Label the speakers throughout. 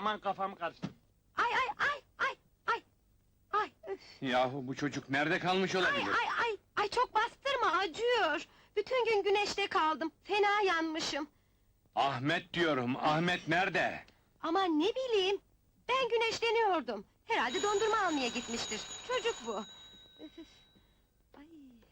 Speaker 1: Aman kafam karıştı.
Speaker 2: Ay ay ay ay ay! Ay üf!
Speaker 3: Yahu bu çocuk nerede kalmış
Speaker 2: Ay
Speaker 3: olabilir?
Speaker 2: ay ay! Ay çok bastırma, acıyor! Bütün gün güneşte kaldım, fena yanmışım!
Speaker 3: Ahmet diyorum, Ahmet nerede?
Speaker 2: Aman ne bileyim, ben güneşleniyordum! Herhalde dondurma almaya gitmiştir, çocuk bu! Üf, üf! Ay!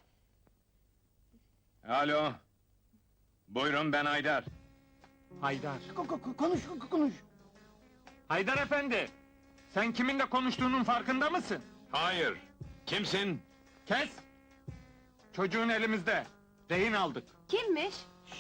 Speaker 3: Alo! Buyurun, ben Haydar.
Speaker 1: Haydar.
Speaker 4: Konuş.
Speaker 1: Haydar efendi! Sen kiminle konuştuğunun farkında mısın?
Speaker 3: Hayır! Kimsin?
Speaker 1: Kes! Çocuğun elimizde. Rehin aldık.
Speaker 2: Kimmiş?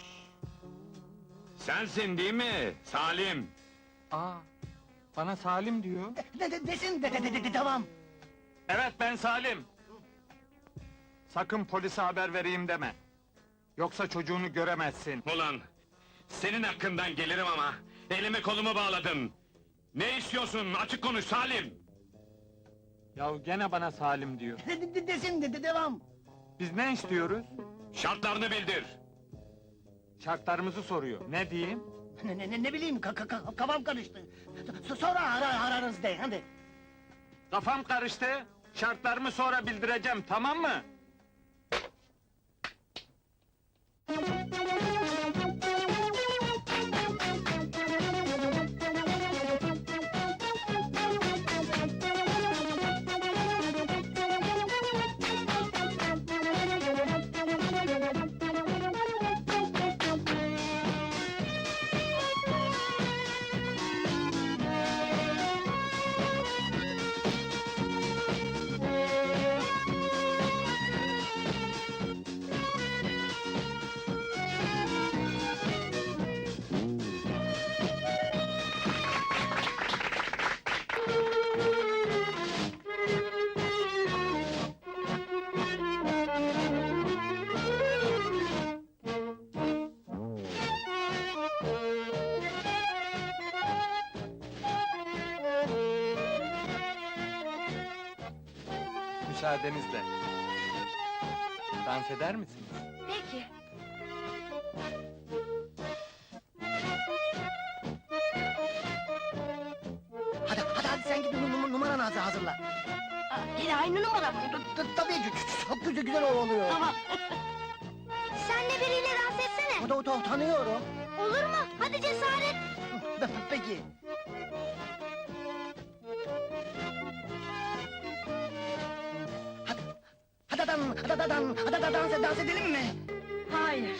Speaker 3: Sensin değil mi? Salim!
Speaker 1: Aa, bana Salim diyor.
Speaker 4: Desin tamam.
Speaker 1: Evet, ben Salim. Sakın polise haber vereyim deme. Yoksa çocuğunu göremezsin.
Speaker 3: Ulan! Senin hakkından gelirim ama! Elimi kolumu bağladın! Ne istiyorsun? Açık konuş Salim!
Speaker 1: Ya gene bana Salim diyor.
Speaker 4: Desin devam.
Speaker 1: Biz ne istiyoruz?
Speaker 3: Şartlarını bildir!
Speaker 1: Şartlarımızı soruyor. Ne diyeyim?
Speaker 4: Ne bileyim kafam karıştı. Sonra ararız de hadi.
Speaker 1: Kafam karıştı. Şartlarımı sonra bildireceğim, tamam mı? Müsaadenizle. Dans eder misiniz?
Speaker 2: Peki!
Speaker 4: Hadi sen git numaranı hazırla.
Speaker 2: Yine aynı numara mı?
Speaker 4: Tabii çok güzel oluyor.
Speaker 2: Tamam! Sen de biriyle dans etsene!
Speaker 4: O da tanıyorum.
Speaker 2: Olur mu? Hadi cesaret!
Speaker 4: Peki. Hadi dans edelim mi?
Speaker 2: Hayır!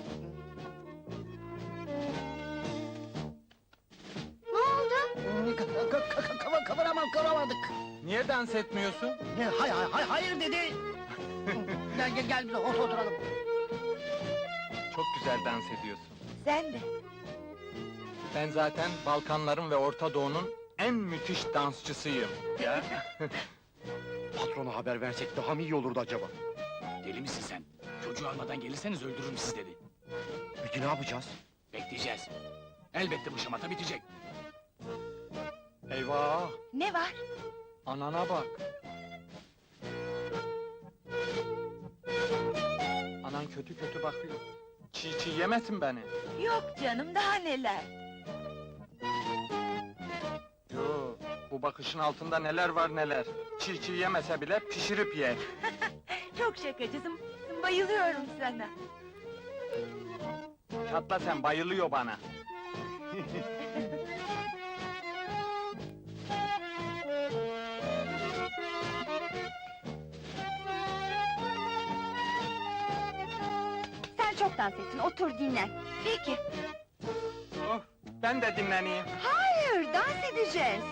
Speaker 2: Ne oldu?
Speaker 4: Kıvıramadık.
Speaker 1: Niye dans etmiyorsun?
Speaker 4: Hayır dedi. Gel biz oturalım.
Speaker 1: Çok güzel dans ediyorsun.
Speaker 2: Sen de!
Speaker 1: Ben zaten Balkanların ve Orta Doğu'nun en müthiş dansçısıyım. Ya.
Speaker 5: Patrona haber versek daha mı iyi olurdu acaba?
Speaker 6: Deli misin sen? Çocuğu almadan gelirseniz öldürürüm sizi dedi.
Speaker 5: Peki ne yapacağız?
Speaker 6: Bekleyeceğiz. Elbette bu şamata bitecek.
Speaker 1: Eyvah!
Speaker 2: Ne var?
Speaker 1: Anana bak! Anan kötü kötü bakıyor. Çiğ yemesin beni.
Speaker 2: Yok canım, daha neler!
Speaker 1: Yo, bu bakışın altında neler var neler. Çiğ yemese bile pişirip yer.
Speaker 2: Çok şakacısın, bayılıyorum sana!
Speaker 1: Çatla sen, bayılıyor bana.
Speaker 2: Sen çok dans ettin, otur dinlen! Peki!
Speaker 1: Oh, ben de dinleneyim.
Speaker 2: Hayır, dans edeceğiz!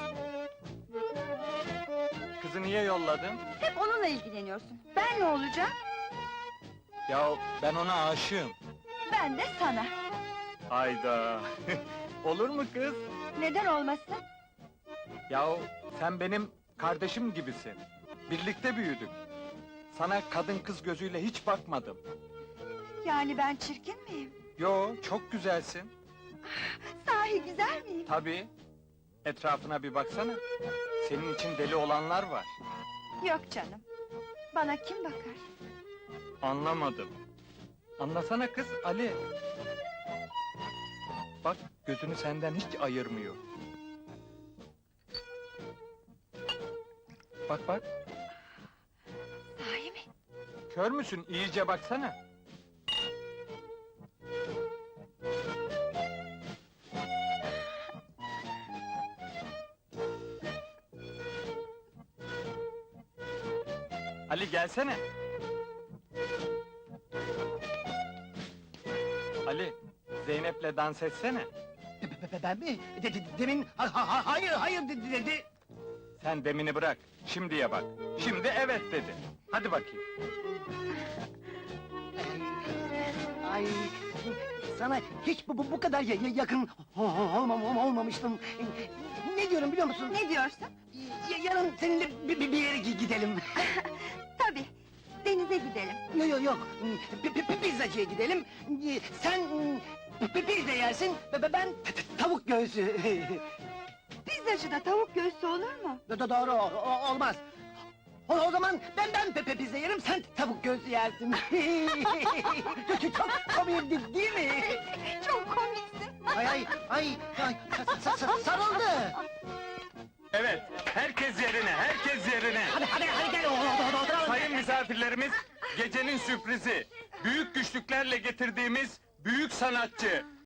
Speaker 1: Kızı niye yolladın?
Speaker 2: Hep onunla ilgileniyorsun, ben ne olacağım?
Speaker 1: Ya ben ona aşığım.
Speaker 2: Ben de sana!
Speaker 1: Hayda! Olur mu kız?
Speaker 2: Neden olmasın?
Speaker 1: Yahu sen benim kardeşim gibisin. Birlikte büyüdük. Sana kadın kız gözüyle hiç bakmadım.
Speaker 2: Yani ben çirkin miyim?
Speaker 1: Yo, çok güzelsin.
Speaker 2: Sahi güzel miyim?
Speaker 1: Tabii. Etrafına bir baksana. Senin için deli olanlar var.
Speaker 2: Yok canım! Bana kim bakar?
Speaker 1: Anlamadım. Anlasana kız, Ali. Bak, gözünü senden hiç ayırmıyor. Bak bak,
Speaker 2: Sahi mi?
Speaker 1: kör müsün? İyice baksana. Ali gelsene. Ali, Zeynep'le dans etsene.
Speaker 4: Ben mi? Demin hayır dedi.
Speaker 1: Sen demini bırak, şimdiye bak. Şimdi evet dedi. Hadi bakayım.
Speaker 4: Ay, sana hiç bu kadar yakın olmamıştım. Ne diyorum biliyor musun?
Speaker 2: Ne diyorsun?
Speaker 4: Yarın seninle bir yere gidelim.
Speaker 2: Tabii, denize gidelim.
Speaker 4: Yok. Pizzacıya gidelim. Sen pizza yersin, ben tavuk göğsü.
Speaker 2: Pizzacıda tavuk göğsü olur mu?
Speaker 4: Doğru, olmaz. O zaman ben pizza yerim, sen tavuk göğsü yersin. Çok komik değil mi?
Speaker 2: Çok komiksin.
Speaker 4: Ay, sarıldı.
Speaker 1: Evet, herkes yerine, herkes yerine.
Speaker 4: Hadi gel, oturalım.
Speaker 1: Sayın misafirlerimiz, gecenin sürprizi, büyük güçlüklerle getirdiğimiz büyük sanatçı,